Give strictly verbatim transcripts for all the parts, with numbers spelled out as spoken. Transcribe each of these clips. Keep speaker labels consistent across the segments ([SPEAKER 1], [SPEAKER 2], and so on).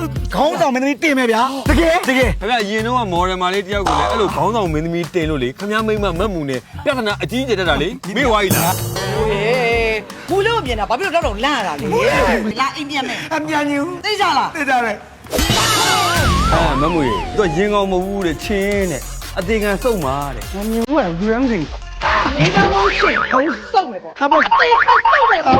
[SPEAKER 1] ခေါင်းဆောင်မင်းသမီးတင်မယ်ဗျာတကယ်တကယ်
[SPEAKER 2] ခင်ဗျာရင်တော့မော်ဒယ်မာလေးတယောက်ကိုလည်းအဲ့လိုခေါင်းဆောင်မင်းသမီးတင်လို့လေခင်ဗျာမိမမတ်မှုနဲ့ပြဿနာအကြီးကျယ်တက်တာလေမေ့ဝါကြီးလား
[SPEAKER 3] ဟေးဘူးလို့မြင်တာဘာဖြစ်လို့တော့တော့လန့်ရတာလဲလာအိမ်ပြန်မယ်
[SPEAKER 1] အမြန်ကြီး
[SPEAKER 3] သိကြလား
[SPEAKER 1] သိကြတယ်
[SPEAKER 2] အာမတ်မှုရေသူကရင်ကောင်းမဟုတ်ဘူးတဲ့ချင်းတဲ့အသေးခံစုံပါတဲ့
[SPEAKER 1] မမြင်ဘူးကလူရမ်းစင်
[SPEAKER 3] ဒီကမိုးရှင်ခေါင်းစုံမယ်ပေါ့
[SPEAKER 1] ဟာပေါ့
[SPEAKER 3] သိခါစုံမယ်ပေါ့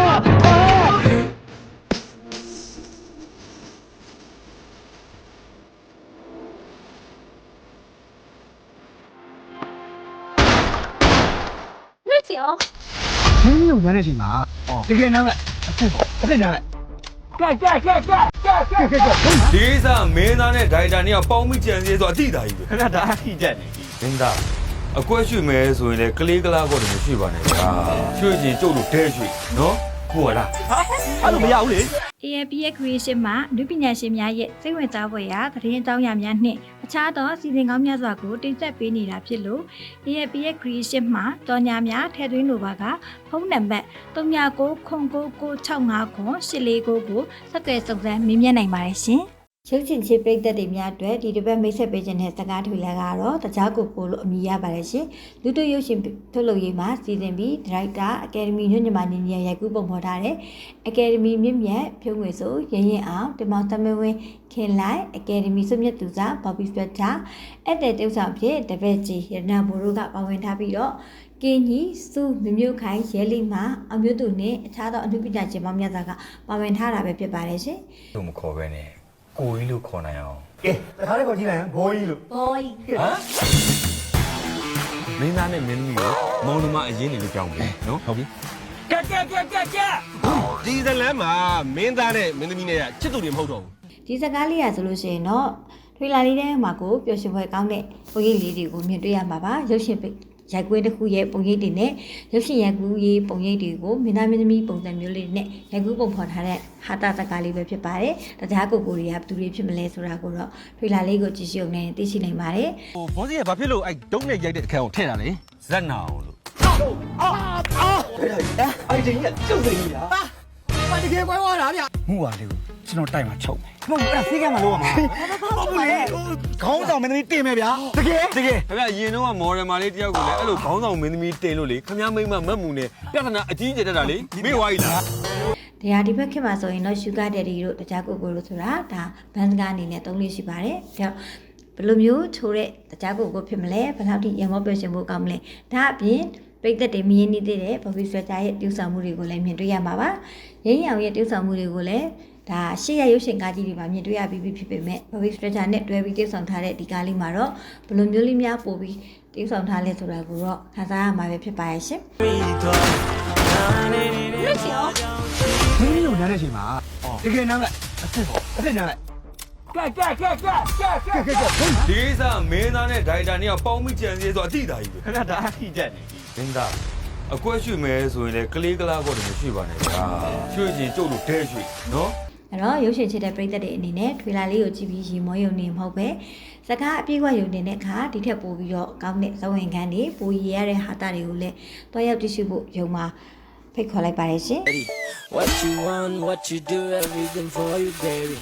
[SPEAKER 4] 那行。
[SPEAKER 1] မင်းတို့ရမ်းနေချိန်မှာတကယ်နားလိုက်အစ်နားလိုက်ကြကြကြကြကြကြကြ
[SPEAKER 2] ဒီစားမင်းသားနဲ့ဒိုင်တာနဲ့ပေါင်းမိကြံစည်ဆိုအတိတာကြီးပဲ
[SPEAKER 5] ခဏဒါအထိတက်နေပြီ
[SPEAKER 2] မင်းသားအကွက်ရွှေမဲဆိုရင်လေကလေးကလားကောတော့မရှိပါနဲ့ဗျာရွှေချင်းကျုပ်တို့ဒဲရွှေနော်ဟုတ်လား
[SPEAKER 5] အဲ့လိုမရဘူးလေ
[SPEAKER 4] A F P S Creation မှာလူပညာရှင်များရဲ့စိတ်ဝင်စားဖွယ်ရာသတင်းအကြောင်းအရာများနှင့်အခြားသောစီစဉ်ကောင်းများစွာကိုတင်ဆက်ပေးနေတာဖြစ်လို့ A F P S Creation မှာတော်ညာများထည့်သွင်းလိုပါကဖုန်းနံပါတ် ၃၉၉၉၉၆၅၉ ၈၄၉ ကိုဆက်သွယ်စုံစမ်းမေးမြန်းနိုင်ပါတယ်ရှင်။ရုပ်ရှင်ချစ်ပရိသတ်တွေများအတွက်ဒီတစ်ပတ်မိတ်ဆက်ပေးခြင်းတဲ့စကားထွေလာကတော့တကြားကိုပို့လို့အမည်ရပါတယ်ရှင်။လူတို့ရုပ်ရှင်ထုတ်လုပ်ရေးမှာစီစဉ်ပြီးဒါရိုက်တာအကယ်ဒမီညွှန်ညမနေနေရိုက်ကူးပုံဖော်ထားတဲ့အကယ်ဒမီမြင့်မြတ်ဖြုံးငွေဆိုရရင်ရင်အောင်တင်မောင်သမဝင်းခင်လိုက်အကယ်ဒမီစုမြတ်သူစားဘော်ဘီစပက်တာအဲ့တဲ့တုပ်ဆောင်ဖြစ်တပည့်ကြီးရတနာဘိုတို့ကပါဝင်ထားပြီးတော့ကင်းကြီးစုမမျိုးခိုင်ရဲလီမှာအမျိုးသူနဲ့အခြားသောအမှုပညာရှင်ပေါင်းများစွာကပါဝင်ထားတာပဲဖြစ်ပါတယ်ရှင်
[SPEAKER 2] သူမခေါ်ပဲနဲ့ကိုကြီးလို့ခေါ်နိုင်အောင်
[SPEAKER 1] ကဲတခါလေးခေါ်ကြည့်လိုက်ဘောကြီးလို့
[SPEAKER 4] ။ဘော်
[SPEAKER 2] ဟမ်မင်းသားနဲ့မင်းသမီးကိုမောင်နှမအရင်နေလို့ကြောင်းပြီနော်ဟုတ်ပြီ
[SPEAKER 5] ကြက်ကြက်ကြက်ကြက်ကြက်ဒီဇလန်မှာမင်းသားနဲ့မင်းသမီးနဲ့ချစ်သူတွေမဟုတ်တော့ဘူး
[SPEAKER 4] ဒီစကားလေးရဆိုလို့ရှိရင်တော့ထွေလာလေးထဲမှာကိုပျော်ရွှင်ဖွယ်ကောင်းတဲ့ပုံရိပ်လေးတွေကိုမြင်တွေ့ရမှာပါရုပ်ရှင်ရိုက်ကွင်းတစ်ခုရဲ့ပုံရိပ်တွေနဲ့ရုပ်ရှင်ရိုက်ကူးရေးပုံရိပ်တွေကိုမင်းသားမင်းသမီးပုံစံမျိုးလေးနဲ့ရိုက်ကူးပုံဖော်ထားတဲ့ဟာတာစကားလေးပဲဖြစ်ပါတယ်တခြားကိုကိုတွေကဘယ်သူတွေဖြစ်မလဲဆိုတာကိုတော့ထွေလာလေးကိုကြည့်ရှုနေသိရှိနိုင်ပါတယ်
[SPEAKER 5] ဟိုဘောစီကဘာဖြစ်လို့အဲ့ဒုံးနဲ့ရိုက်တဲ့အခန်းကိုထည့်တာလဲ
[SPEAKER 2] ဇက်နာအောင်လို့
[SPEAKER 1] အဲ့ဒီကကျုပ်သိကြီးလား
[SPEAKER 3] ဘာတကယ်ပွဲသွားတာဗျ
[SPEAKER 1] မှုပါလေကိုကျွန်တော်တိုက်မှာချုပ်မယ်မဟုတ်ဘူးအဲ့ဒါဖေးကမှလို့ရမှာဟုတ်ဘူးလေခေါင်းဆောင်မင်းသမီးတင်မယ်ဗျာတကယ်တကယ်
[SPEAKER 2] ခင်ဗျာရင်တော့မော်ဒယ်မာလေးတယောက်ကိုလည်းအဲ့လိုခေါင်းဆောင်မင်းသမီးတင်လို့လေခင်ဗျာမိမမတ်မှုနဲ့ပြဿနာအကြီးကျယ်တက်တာလေမေ့ဝါကြီးလား
[SPEAKER 4] တရားဒီဘက်ခင်မှာဆိုရင်တော့ Sugar Daddy တို့တခြားကိုကိုလို့ဆိုတာဒါဘန်စကားအနေနဲ့သုံးလေးရှိပါတယ်ဒါဘယ်လိုမျိုးချိုးတဲ့တခြားကိုကိုဖြစ်မလဲဘယ်လောက်ထိရမောပြောရှင်ဖို့ကောင်းမလဲဒါအပြင်ပရိသတ်တွေမြင်နေသေးတဲ့ Bobby Sweater ရဲ့တူဆောင်မှုတွေကိုလည်းမြင်တွေ့ရမှာပါရင်းရောင်ရဲ့တူဆောင်မှုတွေကိုလည်းဒါရှေ့ရရုပ်ရှင်ကားကြီးတွေမှာမြင်တွေ့ရပြီးဖြစ်ပေမဲ့ Bobby Sweater နဲ့တွဲပြီးတူဆောင်ထားတဲ့ဒီကားလေးမှာတော့ဘယ်လိုမျိုးလေးများပို့ပြီးတူဆောင်ထားလဲဆိုတာကိုတော့ခန်းစားရမှာပဲဖြစ်ပါရဲ့ရှင်
[SPEAKER 1] မင်းတို့နားနေချိန်မှာတကယ်နားလိုက်အစ်အစ်နားလိုက်ကြကြကြကြကြကြကြ
[SPEAKER 2] ဒီစားမင်းသားနဲ့ဒိုင်တာနဲ့ပေါင်းမိကြံစည်ဆိုအတိတာကြီးပဲ
[SPEAKER 5] ခဏဒါအထိတက်နေပြီ
[SPEAKER 2] မင်းသားအကွက်ရွှေမဲဆိုရင်လေကလေးကလားကောတော့မရှိပါနဲ့ဗျာရွှေချင်းကျုပ်တို့ဒဲရွှေနော်
[SPEAKER 4] အဲ့တော့ရုပ်ရှင်ချစ်တဲ့ပရိသတ်တွေအနေနဲ့ထွေလာလေးကိုကြည့်ပြီးရေမောယုံနေမဟုတ်ပဲစကားအပြည့်အဝယုံနေတဲ့အခါဒီထက်ပိုပြီးတော့ကောင်းတဲ့သဝင်ခန်းတွေပိုရရတဲ့ဟာတာတွေကိုလည်းတွားရောက်တည်ရှိဖို့ယုံမှာဖိတ်ခေါ်လိုက်ပါတယ်ရှင်
[SPEAKER 6] What you want, what you do, everything for you, baby.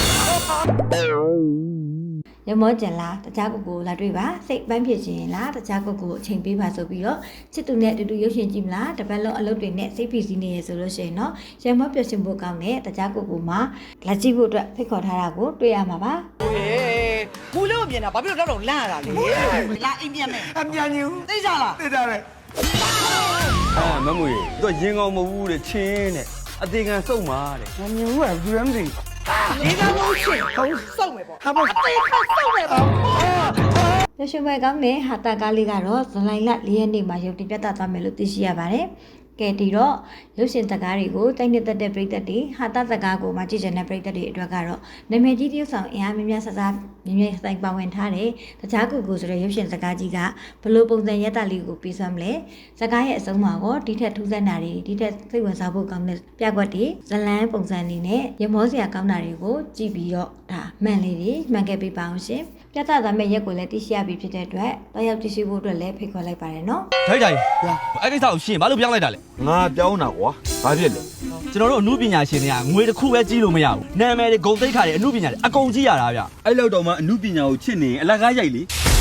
[SPEAKER 4] ရမောကျန်လားတခြားကိုကိုလာတွေ့ပါစိတ်ပန်းဖြစ်ခြင်းလားတခြားကိုကိုအချိန်ပေးပါဆိုပြီးတော့ချစ်သူနဲ့အတူတူရုပ်ရှင်ကြည့်မလားတပတ်လုံးအလုပ်တွေနဲ့စိတ်ဖိစီးနေရဆိုလို့ရှိရင်တော့ရမောပျော်ရွှင်ဖို့ကောင်းတဲ့တခြားကိုကိုမှာလာကြည့်ဖို့အတွက်ဖိတ်ခေါ်ထားတာကိုတွေ့ရမှာပါ
[SPEAKER 3] ဟေးဘူးလို့မြင်တာဘာဖြစ်လို့တော့တော့လန့်ရတာလဲလာအိမ်ပြန်မယ်
[SPEAKER 1] အမြန်ကြီး
[SPEAKER 3] သိကြလား
[SPEAKER 1] သိကြတယ်
[SPEAKER 2] အာမတ်မှုရေသူကရင်ကောင်းမဟုတ်ဘူးတဲ့ချင်းတဲ့အသေးခံစုံပါတဲ့
[SPEAKER 1] မမြင်ဘူးကလူရမ်းစင်
[SPEAKER 3] ဒီကမိုးရှင်ခေါင်းစုံမယ်ပေါ့
[SPEAKER 1] ဟာပေါ့
[SPEAKER 3] သိခါစုံမယ်ပေါ့
[SPEAKER 4] ရရှိပွဲကောင်းတဲ့ဟာတာကားလေးကတော့ဇူလိုင်လ၄ရက်နေ့မှာရုပ်တင်ပြသသွားမယ်လို့သိရှိရပါတယ်။ကဲဒီတော့ရုပ်ရှင်ဇာတ်ကားတွေကိုတိုက်နှစ်သက်တဲ့ပရိသတ်တွေဟာတာဇာတ်ကားကိုမှကြည့်ကြတဲ့ပရိသတ်တွေအတွက်ကတော့နာမည်ကြီးတရုပ်ဆောင်အင်အားများများဆဆမြင်းမြင်းဆိုင်ပါဝင်ထားတဲ့တခြားကူကူဆိုတဲ့ရုပ်ရှင်ဇာတ်ကားကြီးကဘလို့ပုံစံရက်တာလေးကိုပြီးဆွမ်းမလဲဇာတ်ကားရဲ့အဆုံးမှာတော့ဒီထက်ထူးဆန်းတာတွေဒီထက်စိတ်ဝင်စားဖို့ကောင်းတဲ့ပြကွက်တွေဇလန်းပုံစံနေနဲ့ရမောစရာကောင်းတာတွေကိုကြည့်ပြီးတော့ဒါမှန်လေးတွေမှန်ခဲ့ပေးပါအောင်ရှင်။ပြသသွားမယ့်ရက်ကိုလည်းသိရှိရပြီဖြစ်တဲ့အတွက်တော့ရောက်သိရှိဖို့အတွက်လည်းဖိတ်ခေါ်လိုက်ပါတယ်နော်
[SPEAKER 7] ထိုက်ကြိုင်အဲ့ကိစ္စကိုရှင်းဘာလို့ပြောင်းလိုက်တာလဲ
[SPEAKER 2] ငါပြောင်းတာကွာဘာဖြစ်လဲ
[SPEAKER 7] ကျွန်တော်တို့အမှုပညာရှင်တွေကငွေတစ်ခုပဲကြီးလို့မရဘူးနာမည်တွေဂုဏ်သိက္ခာတွေအမှုပညာတွေအကုန်ကြီးရတာဗျ
[SPEAKER 2] အဲ့လောက်တော့မှအမှုပညာကိုချစ်နေရင်အလကားရိုက်လေ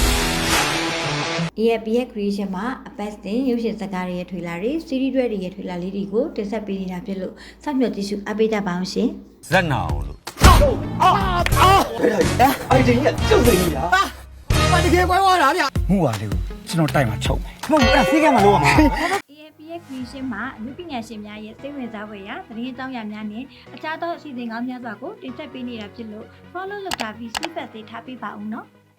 [SPEAKER 4] A F B ရဲ့ creation မှာအပတ်စဉ်ရုပ်ရှင်ဇာတ်ကားတွေရဲ့ထွေလာတွေ series တွေရဲ့ထွေလာလေးတွေကိုတင်ဆက်ပေးနေတာဖြစ်လို့စောင့်မျှော်ကြည့်ရှုအားပေးကြပါအောင်ရှင်
[SPEAKER 2] ဇက်နာအောင်လို့
[SPEAKER 1] အဲ့ဒီကကျုပ်နေပြီလားဟာတကယ်ပွဲသွားတာဗျမှုပါလေကိုကျွန်တော်တိုက်မှာချုပ်မယ်မဟုတ်ဘူးအဲ့ဒါဖေးကမှလို့ရမှာ
[SPEAKER 4] A F B ရဲ့ creation မှာအမှုပညာရှင်များရဲ့စိတ်ဝင်စားဖွယ်ရာသတင်းအကြောင်းအရာများနဲ့အခြားသောအစီအစဉ်ကောင်းများစွာကိုတင်ဆက်ပေးနေတာဖြစ်လို့ follow လုပ်တာပြီး feedback တွေထားပေးပါဦးနော်